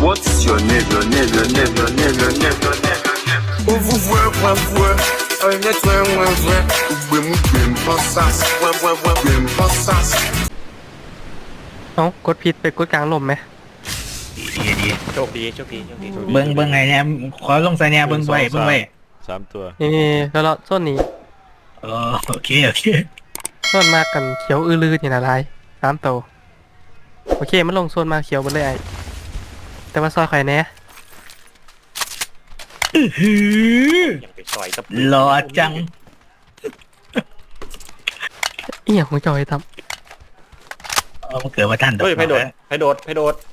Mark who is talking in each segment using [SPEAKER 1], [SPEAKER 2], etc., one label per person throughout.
[SPEAKER 1] What's your name, your name, your name, your name, your name, your name, your name? Oh, vous voyez,
[SPEAKER 2] เอ้ากดผิดไปกดกลางลมไหม
[SPEAKER 3] ดี
[SPEAKER 4] โชคดีโชคดีโชคดี
[SPEAKER 3] เบิ้งไงเนี่ยขอลงใส่เนี่ยเบิ้งไว้
[SPEAKER 5] 3 ตัว
[SPEAKER 2] นี่แล้วเราส้นนี้
[SPEAKER 3] โอเค
[SPEAKER 2] ส้นมากกันเขียวอื้อลือนี่นะลาย3 โตวโอเคมันลงส้นมาเขียวหมดเลยไอ้แต่ว่าซอยไข่แน่
[SPEAKER 4] อย่างไปซอยตะปู
[SPEAKER 3] หล่อจัง
[SPEAKER 2] อีหยังของจอยท
[SPEAKER 3] มันเกิดมาท่าน
[SPEAKER 4] เฮ้ยไพโดดไพโดดไพโดด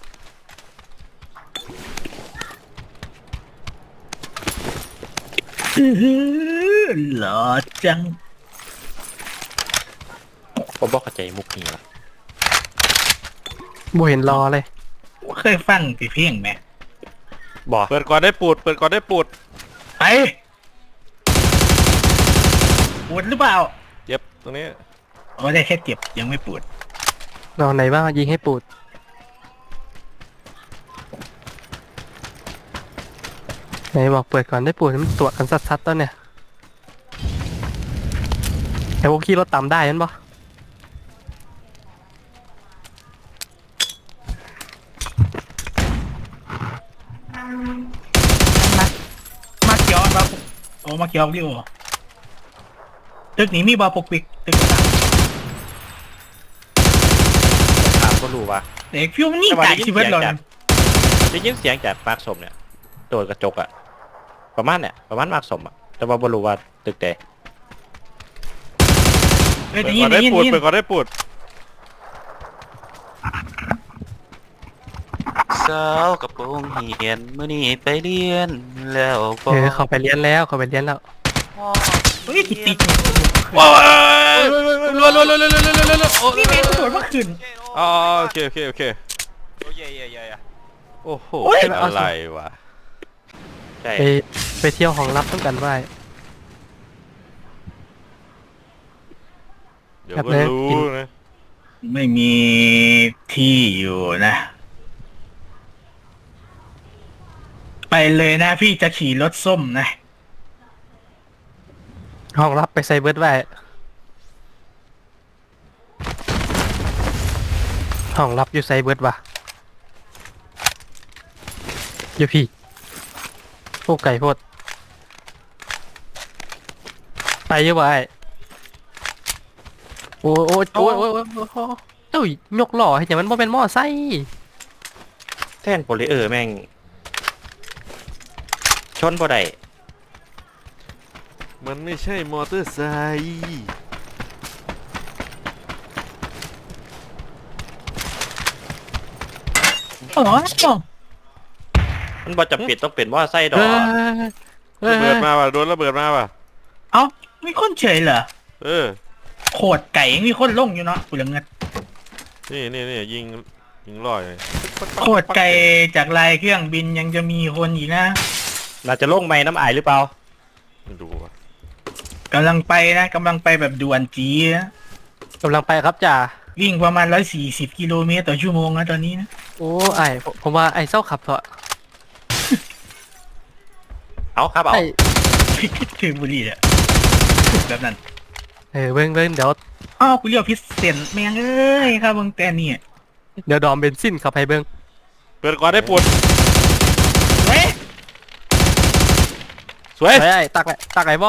[SPEAKER 3] หล่อจัง
[SPEAKER 4] ผมบอกเข้าใจมุกนี้ละ
[SPEAKER 2] ำบ่เห็นรอเลย
[SPEAKER 3] เคยฟังตีเพียงไหม
[SPEAKER 4] บอก
[SPEAKER 5] เปิดก่อนได้ปูด เปิดก่อนได้ปูด
[SPEAKER 3] ไปปวดหรือเปล่า
[SPEAKER 5] เจ็บตรงนี้
[SPEAKER 3] ได้แค่เจ็บยังไม่ปวด
[SPEAKER 2] นอนไหนบ้างยิงให้ปูดไหนบอกเปิดก่อนได้ปูดมันตรวจกันซัดๆต้นเนี่ยแต่พวกขี่รถต่ำได้ยันบ่
[SPEAKER 3] มาเกียวมามาเกียวดิโอตึกนี้มีบาปกปิกตึกต่าง
[SPEAKER 4] ถามก็รู้ว่า
[SPEAKER 3] เด็กฟิวมันนี่ไก่ชีวิตเลย
[SPEAKER 4] ได้ยินเสียงจากปากสมเนี่ยโดดกระจกอะประมาณปากสมอะแต่ว่าไม่รู้ว่าตึกใด
[SPEAKER 3] เฮ้ย
[SPEAKER 5] เปิด
[SPEAKER 3] ยิ
[SPEAKER 5] ก่อน นได้
[SPEAKER 3] ยิน
[SPEAKER 5] ปูด
[SPEAKER 3] ยิน
[SPEAKER 5] เปิดก่อนได้ปูด
[SPEAKER 6] สาวกระโปรงเหียนมื้อนี้ไปเรียนแล้วบ่
[SPEAKER 2] เขาไปเรียนแล้วเขาไปเรียนแล้ว
[SPEAKER 3] เฮ้ยติด
[SPEAKER 5] ว้าวรัวรัวรัวรัวรัวรัวรัวรัว
[SPEAKER 3] นี่แม่งตรวจเมื่อคืน
[SPEAKER 5] อ๋อโอเคโอเค
[SPEAKER 6] โอ้ยเย่
[SPEAKER 5] โอ้โห
[SPEAKER 3] โอ้ย
[SPEAKER 5] อะไรวะ
[SPEAKER 4] ใช่
[SPEAKER 2] ไปเที่ยวห้องลับต้องกันไว้
[SPEAKER 5] เดี๋ยวก็รู้นะ
[SPEAKER 3] ไม่มีที่อยู่นะ ไปเลยนะพี่จะขี่รถส้มนะ
[SPEAKER 2] ห้องลับไปใส่เบิร์ดไว้ห้องลับอยู่ใส่เบิร์ดวะอยู่พี่โอ้ไก่โพดไปเยอะไปโอ้โอ้โอ้โอ้โอ้โอ้เอ้ยยกหล่อให้อย่างมันบ่เป็นหม้อไส้
[SPEAKER 4] แท่นโพลิเออร์แม่งชนบ่ได้
[SPEAKER 5] มันไม่ใช่มอเตอร์ไซค์
[SPEAKER 3] อ๋อ
[SPEAKER 4] มันบ่จำเป็นต้องเป็นว่าไส้ดอก
[SPEAKER 5] ระเบิดมาว่ะโดนระเบิดมาว่ะ
[SPEAKER 3] เอ้ามีคนเฉยเหรอ
[SPEAKER 5] เออ
[SPEAKER 3] โขดไก่มีคนลงอยู่เนาะกูเหลือเงิน
[SPEAKER 5] นี่ยิงลอยเลย
[SPEAKER 3] โขดไก่จากลายเครื่องบินยังจะมีคนอีกนะ
[SPEAKER 4] น่าจะลงไม้น้ำอายหรือเปล่า
[SPEAKER 5] ไม่ดูว่ะ
[SPEAKER 3] กำลังไปนะกำลังไปแบบด่วนจีนะ
[SPEAKER 2] กำลังไปครับจ่า
[SPEAKER 3] วิ่งประมาณ140 กิโลเมตรต่อชั่วโมงนะตอนนี้นะ
[SPEAKER 2] โอ้ไอผมว่าไอเศร้าขับเถอะ
[SPEAKER 4] เอาครับเอา
[SPEAKER 2] ไอ
[SPEAKER 3] ถึงบุรีเนี่ยแบบนั้น
[SPEAKER 2] เบิ้งเดี๋ยว
[SPEAKER 3] อ้าวกูเรียกพิเศษแมงเอ้ยครับมึงแต่นี่
[SPEAKER 2] ดอมเบนซินขับให้เบิ้ง
[SPEAKER 5] เปิดก่อนได้ปูด
[SPEAKER 3] เฮ้ย
[SPEAKER 5] สวย
[SPEAKER 2] ไอตักไอบ่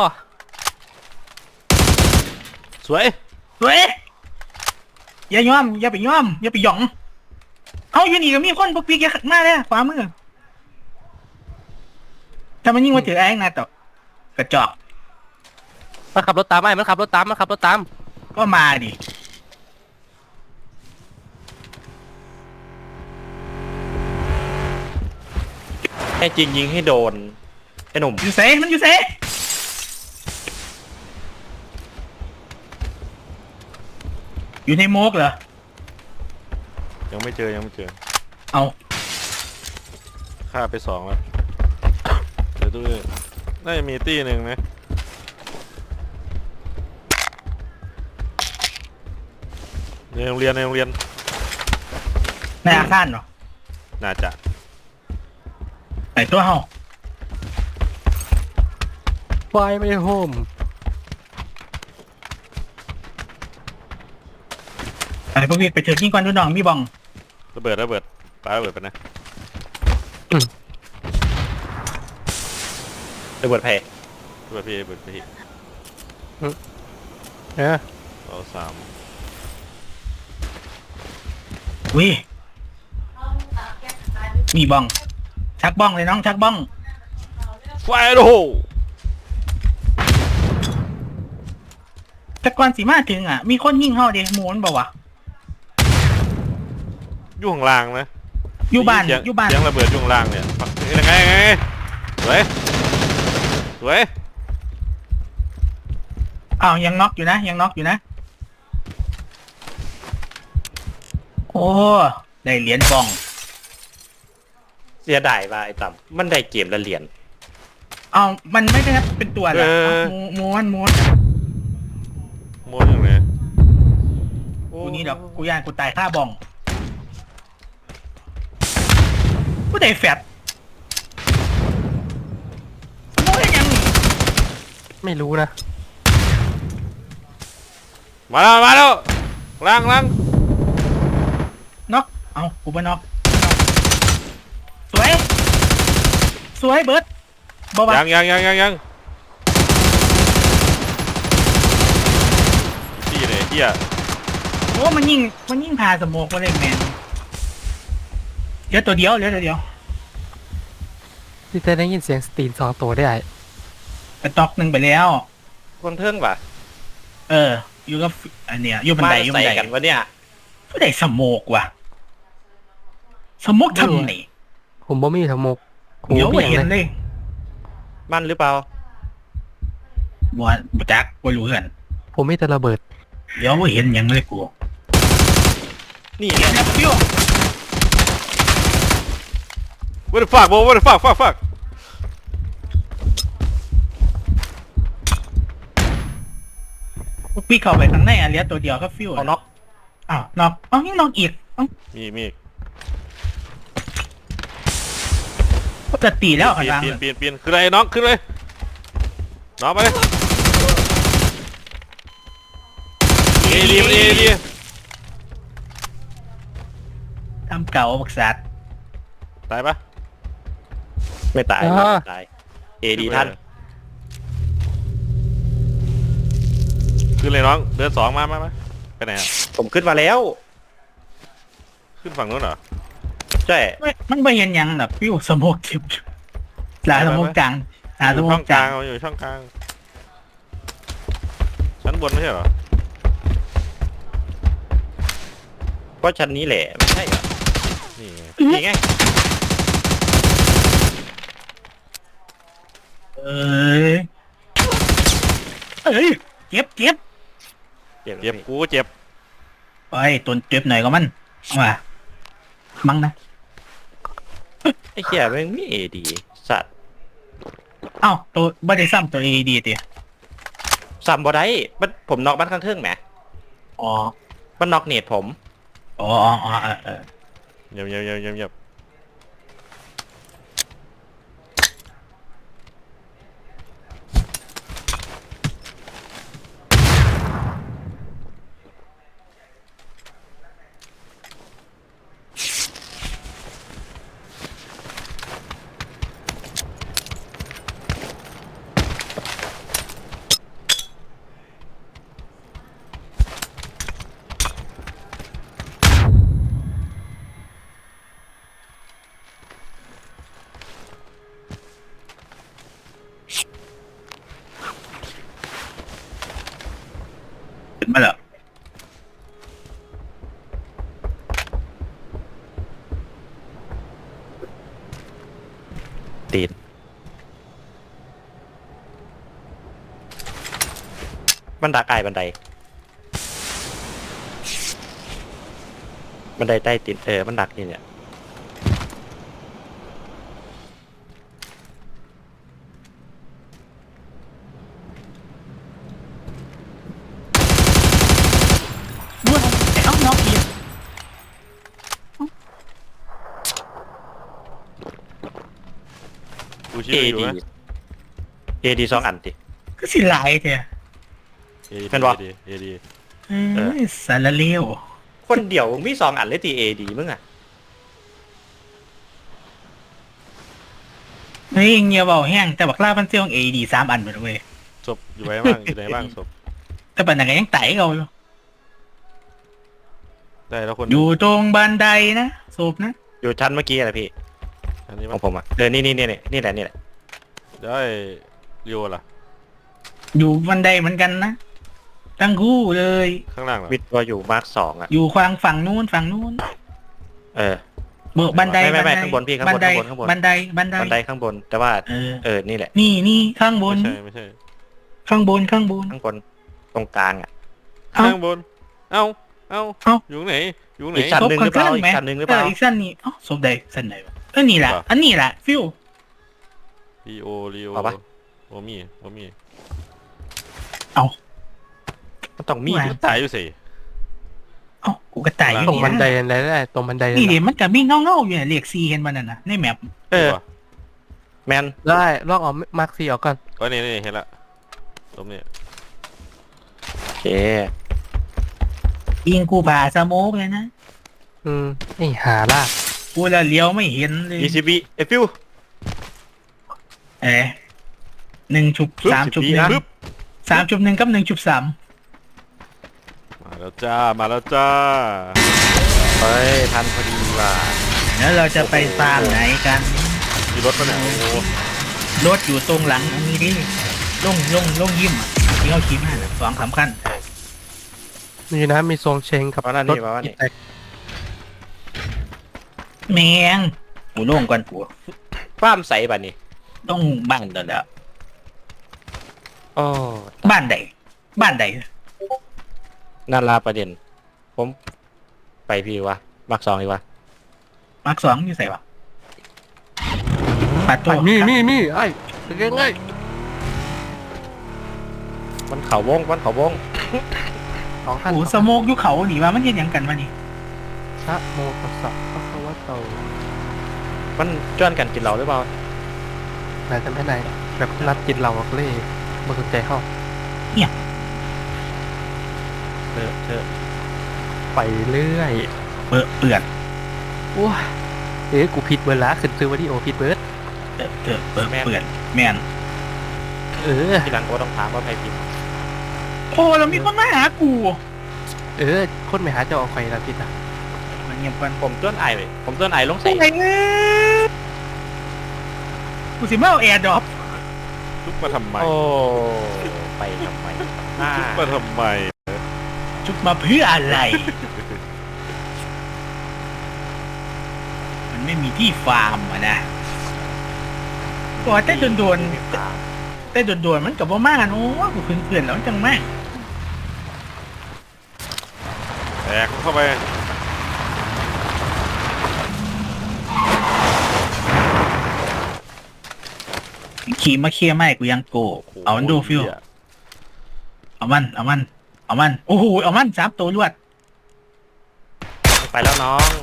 [SPEAKER 5] สวย
[SPEAKER 3] เฮ้ยอย่าย่อมอย่าไปย่อมอย่าไปหยองเอาอยู่นี่ก็มีคนปกปิกมาเลยขวามือถ้ามันยิ่งมาถือแองนะต่อกระจอก
[SPEAKER 2] มันขับรถตามไอ้มันขับรถตาม
[SPEAKER 3] ก็มาดิ
[SPEAKER 4] แค่จริงยิงให้โดนไอ้หนุ่ม
[SPEAKER 3] อยู่เซมันอยู่เซอยู่ในโมกเหรอ
[SPEAKER 5] ยังไม่เจอ
[SPEAKER 3] เอา
[SPEAKER 5] ฆ่าไป2แล้วเดี๋ยวตู้น่าจะมีตี้หนึ่งนะในโรงเรียน
[SPEAKER 3] ในอาคารเหรอ
[SPEAKER 5] น่าจะ
[SPEAKER 3] ตัวเฮา
[SPEAKER 2] ไฟไม่โฮม
[SPEAKER 3] ไอ้พวกนี้ไปเถือะยิงก่อนดูน้องมีบอง
[SPEAKER 5] ระเบิดปาระเบิดไปนะ
[SPEAKER 4] ระเบิดแพร่
[SPEAKER 5] ระเบิดพี่
[SPEAKER 2] เออ
[SPEAKER 5] เราสาม
[SPEAKER 3] วิมีบองชักบ้องเลยน้องชักบ้อง
[SPEAKER 5] ไฟโร่
[SPEAKER 3] แต่ก่อนสิมาถึงอ่ะมีคนยิงเฮาเด้หมูนบอกว่า
[SPEAKER 5] อยู่ข้างล่างนะ
[SPEAKER 3] อยู่บ้าน
[SPEAKER 5] เสีง
[SPEAKER 3] อยู่บ้าน
[SPEAKER 5] เสียงระเบิดอยู่ข้างล่างเนี่ยยังไงสวย
[SPEAKER 3] อ้าวยังน็อกอยู่นะยังน็อกอยู่นะโอ้ได้เหรียญบอง
[SPEAKER 4] เสียดายว่าไอ้ต่ำมันได้เกมละเหรียญ
[SPEAKER 3] เอามันไม่ได้เป็นตัวเหรอม้วน
[SPEAKER 5] ม้วนอย่างไร
[SPEAKER 3] กูนี่ดอกกูย่านกูตายฆ่าบองกูได้แฟดโม้ยยัง
[SPEAKER 2] ไม่รู้นะ
[SPEAKER 5] มาแล้วล่าง
[SPEAKER 3] น็อกเอากูบ่น็อกสวยเบิร์ดบ่วะ
[SPEAKER 5] ยังพี่เลยเฮีย
[SPEAKER 3] โอ้มันยิงพาสโมกมาเลยแมนเหลือตัวเดียว
[SPEAKER 2] ที่จะได้ยินเสียงสตรีน2 ตัวได้
[SPEAKER 3] ไปตอกหนึ่งไปแล้ว
[SPEAKER 4] คนเทิงว่ะ
[SPEAKER 3] อยู่กับอันเนี้ยอยู่บัน
[SPEAKER 4] มา
[SPEAKER 3] ไดอยู่บั
[SPEAKER 4] ใส่
[SPEAKER 3] นได
[SPEAKER 4] กันวะเนี่ย
[SPEAKER 3] ก็ได้สโมกว่ะสโมกทำไหน
[SPEAKER 2] ผมบ่มีทั้งหมกผม
[SPEAKER 3] เดี๋ยว
[SPEAKER 2] บ่
[SPEAKER 3] ไม่
[SPEAKER 2] มี
[SPEAKER 3] เห็น
[SPEAKER 2] อย่าง
[SPEAKER 3] เล
[SPEAKER 2] เลย
[SPEAKER 3] ย
[SPEAKER 4] มันหรือเปล่า
[SPEAKER 3] บ่จักบ่รู้กัน
[SPEAKER 2] ผมมีแต่ระเบิด
[SPEAKER 3] เดี๋ยวไม่เห็นหยังเลยกู
[SPEAKER 4] นี่
[SPEAKER 3] เดี๋ยวนะฟิว
[SPEAKER 5] what the fuck
[SPEAKER 3] พี่เข้าไปข้างในอ่ะเหลือตัวเดียวก็ฟิว
[SPEAKER 4] เอาน็อก
[SPEAKER 3] อ้าวน็อกอ้าวยังน็อกอีกอ้าว
[SPEAKER 5] มี
[SPEAKER 3] ปกติแล้วข้างล่าง
[SPEAKER 5] เปลี่ยนขึ้นเลยน้องขึ้นเลยน้องไปเลยเอดี
[SPEAKER 3] ทำเก่าบักสัตว์
[SPEAKER 5] ตายปะ
[SPEAKER 4] ไม่ตาย
[SPEAKER 2] อ่า
[SPEAKER 4] ไม่ตายเอดีท่าน
[SPEAKER 5] ขึ้นเลยน้องเดิน2มาไปไหนอ่ะ
[SPEAKER 4] ผมขึ้นมาแล้ว
[SPEAKER 5] ขึ้นฝั่งนู้นเหรอ
[SPEAKER 4] ใช่
[SPEAKER 3] มันไม่เห็นหยังหรอกฟิวสโมกทิพหลายสโมกกลางหาสโม
[SPEAKER 5] ช่
[SPEAKER 3] ก
[SPEAKER 5] อง
[SPEAKER 3] ก
[SPEAKER 5] ก
[SPEAKER 3] ลา
[SPEAKER 5] ลาง งอยู่ช่องกลางชั้นบนไม่ใช่เหรอ
[SPEAKER 4] เพราะชั้นนี้แหละไม่ใช่เหรอ
[SPEAKER 5] นี่ไง
[SPEAKER 4] นี่ไง
[SPEAKER 3] เอ้ยเจ็บ
[SPEAKER 5] เจ็บกูก็เจ็บ
[SPEAKER 3] ไปตัวเจ็บหน่อยก็มันเอามามั้งนะ
[SPEAKER 4] ไอ้เหี้ยแม่งมีเอดีสัตว์
[SPEAKER 3] เอ้าตัวบ่ได้ซ้ำตัวเอดีติ
[SPEAKER 4] ซ้ำบ่ได้มันผมน็อกบ้านข้างเทิงแหม
[SPEAKER 3] อ๋อ
[SPEAKER 4] มันน็อกเนตผม
[SPEAKER 3] อ๋อ
[SPEAKER 5] เงียบ
[SPEAKER 3] ขึ้นมาแล้ว
[SPEAKER 4] ตีนบันดักอายบันไดใต้ตีนบันดักนี่เนี่ย
[SPEAKER 5] กูชิ
[SPEAKER 4] เอ
[SPEAKER 5] วอยู่
[SPEAKER 4] ดี
[SPEAKER 5] นะ
[SPEAKER 4] เอดี2 อันติ
[SPEAKER 3] ก็สิหลายแท้
[SPEAKER 4] เป็นวะ
[SPEAKER 5] เอดี
[SPEAKER 3] เอ้ยสารเลว
[SPEAKER 4] คนเดียวมึงมี2 อันเลยตีเอดีมึงอ่ะ
[SPEAKER 3] เฮ้ยเงียบเบาแห้งแต่บักลามันเซียง AD 3 อันหมดเว้ย
[SPEAKER 5] ศพอยู่ไหนบ้างอยู่ไหนบ้างศพ
[SPEAKER 3] แต่ปัญหาก็ยังไต่เขาอยู่
[SPEAKER 5] ได้แล้วคน
[SPEAKER 3] อยู่ตรงบันไดนะศพนะ
[SPEAKER 4] อยู่ชั้นเมื่อกี้อะไรพี่
[SPEAKER 5] อันนี้
[SPEAKER 4] ข
[SPEAKER 5] มั้
[SPEAKER 4] อง งผมอ่ะนี่แหละนี่แหละ
[SPEAKER 5] ได้เรียวล่ะ
[SPEAKER 3] อยู่บันไดเหมือนกันนะทั้งคู่เลย
[SPEAKER 5] ข้างล่างเหรอ
[SPEAKER 4] วิทย์ตัวอยู่มาร์ค2อ่ะ
[SPEAKER 3] อยู่ควางฝั่งนู้น
[SPEAKER 4] เออ
[SPEAKER 3] เบิกบันได
[SPEAKER 4] ไม่
[SPEAKER 3] บันได
[SPEAKER 4] ข้างบนพี่ข้างบน
[SPEAKER 3] บันได
[SPEAKER 4] ข้างบน
[SPEAKER 3] บันได
[SPEAKER 4] บันไดข้างบนแต่ว่า
[SPEAKER 3] เออ
[SPEAKER 4] นี่แหละ
[SPEAKER 3] นี่ข้างบน
[SPEAKER 5] ไม่ใช่
[SPEAKER 3] ข้างบน
[SPEAKER 4] ข้างบนตรงกลางอ่ะ
[SPEAKER 3] เอ้า
[SPEAKER 5] ข้างบนเอ้า
[SPEAKER 3] เอ้า
[SPEAKER 5] อยู่ไหนอยู่ไหน
[SPEAKER 4] อีกชั้นหนึ่งหรือเปล่า
[SPEAKER 3] ศพ
[SPEAKER 4] อีกชั้นหนึ่งหรือเปล่า
[SPEAKER 3] อีกชั้นนี้อ๋อศพใดชั้นไหนวะนี่แหละ อันนี้แหละฟิว
[SPEAKER 5] ลีโอ
[SPEAKER 4] เอาปะ
[SPEAKER 5] โอมี่
[SPEAKER 4] มันต้องมี
[SPEAKER 3] ว่า
[SPEAKER 4] ดิ
[SPEAKER 5] ตายอยู่สิ
[SPEAKER 3] เอ้ากูก็ตายอยู่
[SPEAKER 2] ตรง
[SPEAKER 3] นี่
[SPEAKER 2] บันได
[SPEAKER 3] นะ
[SPEAKER 2] อะไรได้ตรงบันได
[SPEAKER 3] นี่เดี๋
[SPEAKER 2] นะ
[SPEAKER 3] ยวมันก็มีเงาๆอยู่เนี่ยเลข4เห็นมันน่ะนะในแมป
[SPEAKER 4] เออแมน
[SPEAKER 2] ได้ลอกเอามาร์คซีออกก่อน
[SPEAKER 5] ก็นี่เห็นละตรงนี้
[SPEAKER 4] โอเค
[SPEAKER 3] ยิงกูผ่าสโมกเลยนะ
[SPEAKER 2] ไอ้หาลาก
[SPEAKER 3] กูละเลี้ยวไม่เห็นเลย
[SPEAKER 4] ECB เอฟิว
[SPEAKER 3] เอ๊ะ1 ชุบ 3 ชุบ
[SPEAKER 5] ปึ๊บ
[SPEAKER 3] 1 3 ชุบ 1กับ1 ชุบ 3
[SPEAKER 5] มาแล้วจ้า
[SPEAKER 4] เฮ้ยทันพอดีว่ะ
[SPEAKER 3] แล้วเราจะไปฟาร์มไหนกัน
[SPEAKER 5] มีรถปะเนี่ยโอ้โห
[SPEAKER 3] รถอยู่ตรงหลังอันนี้ดิลงยิ้มอ่ะที่เขาขี่มาสองสำคัญ
[SPEAKER 2] มีนะมีทรงเชงกับ
[SPEAKER 4] มานั่น
[SPEAKER 2] ร
[SPEAKER 4] นี่
[SPEAKER 2] ถ
[SPEAKER 4] มาว่านี่
[SPEAKER 2] แท็ก
[SPEAKER 3] แมงกูลงก่อนกู
[SPEAKER 4] ฟ้ามใสป่ะนี่
[SPEAKER 3] ต้องบ้านเด้อ
[SPEAKER 4] โอ้
[SPEAKER 3] บ้านใดบ้านใด
[SPEAKER 4] นาราประเด็น ผมไปพี่วะมาร์ค2ดีวะ
[SPEAKER 3] มาร์ค2อยู่ใส่วะปัดตัว
[SPEAKER 2] มีไอ้เป็นไง
[SPEAKER 4] มันเขาวง
[SPEAKER 2] สองท่าน
[SPEAKER 3] โอ้สโมกอยู่เขาหนีว่ามันเห็นหยังกันวะนี่
[SPEAKER 2] พระโมตัสสะพระคะวะโต
[SPEAKER 4] มันจ้วนกันกินเราหรือเปล่า
[SPEAKER 2] ไหนจะไม่ไหนแบบนัดกินเราเล่มาสนใจเข้า
[SPEAKER 4] เธอ
[SPEAKER 2] ไปเรื่อย
[SPEAKER 3] เปื่อน
[SPEAKER 2] ว้ากูผิดเวลาขึ้นซื้อวิดีโอผิดเบิร์ด
[SPEAKER 3] เปื่อนแมน
[SPEAKER 4] ทีหลังก็ต้องถามว่าใครผิด
[SPEAKER 3] โอ้เรามีคนมาหากู
[SPEAKER 2] คนไม่หาเจ้าเอาใครละผิดอ่ะ
[SPEAKER 3] มันเงียบกัน
[SPEAKER 4] ผมต้นไอเลยผมต้นไอลงใส่
[SPEAKER 3] ไอ้เงี้ยกูสิมาเอาแอร์ดรอป
[SPEAKER 5] ชุบมาทำไม
[SPEAKER 4] โอ้ไปทำไม
[SPEAKER 5] ชุบมาทำไม
[SPEAKER 3] ชุดมาเพื่ออะไร มันไม่มีที่ฟาร์มอะนะก็แต่โดนมันกับว่ามาโอ้กูเพื่อนๆแล้วจังมาก
[SPEAKER 5] แตกเข้าไป
[SPEAKER 3] ขี่มาเคลียร์ไม่กูยังโกเอามันดูฟิวเอามันโอ้โหเอามัน3 ตัวรวด
[SPEAKER 4] ไปแล้วน้อง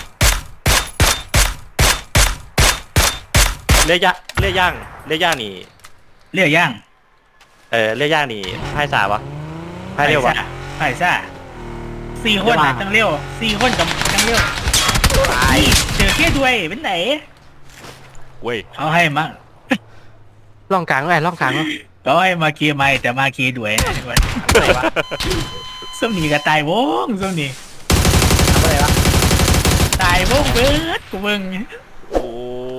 [SPEAKER 4] เลี้ยย่างนี่
[SPEAKER 3] เรียกย่าง
[SPEAKER 4] เลี้ยย่างนี่ไพ่สาวะไพ่เร็ววะ
[SPEAKER 3] ไผ่ซ่า4 คนนะจังเร็ว4 คนกับจังเร็วนี่เจอแค่ด้วยเป็นไหน
[SPEAKER 5] เว้ย
[SPEAKER 3] เขาให้มา
[SPEAKER 2] ล่องกลางไงล่องกลาง
[SPEAKER 3] เขาให้มาเคลียร์ไม่แต่มาเคลียร์ด้วยนะทุกคน
[SPEAKER 4] อะไรวะ
[SPEAKER 3] ส้มนี่ก็ตายวงส้มนี่
[SPEAKER 4] อะไรวะ
[SPEAKER 3] ตายวงเบิดกูเบิ่ง
[SPEAKER 5] โอ้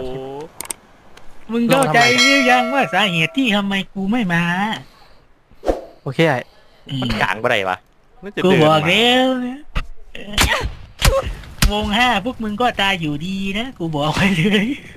[SPEAKER 3] มึงเข้าใจหรือยังว่าสาเหตุที่ทำไมกูไม่มา
[SPEAKER 2] โอเคไอ้
[SPEAKER 4] มันกลางบ่ได้วะ
[SPEAKER 5] น่าจะ
[SPEAKER 3] กู
[SPEAKER 5] เดิน
[SPEAKER 3] บอก
[SPEAKER 5] มา
[SPEAKER 3] แล้วนะวง 5พวกมึงก็ตายอยู่ดีนะ กูบอกไว้เลย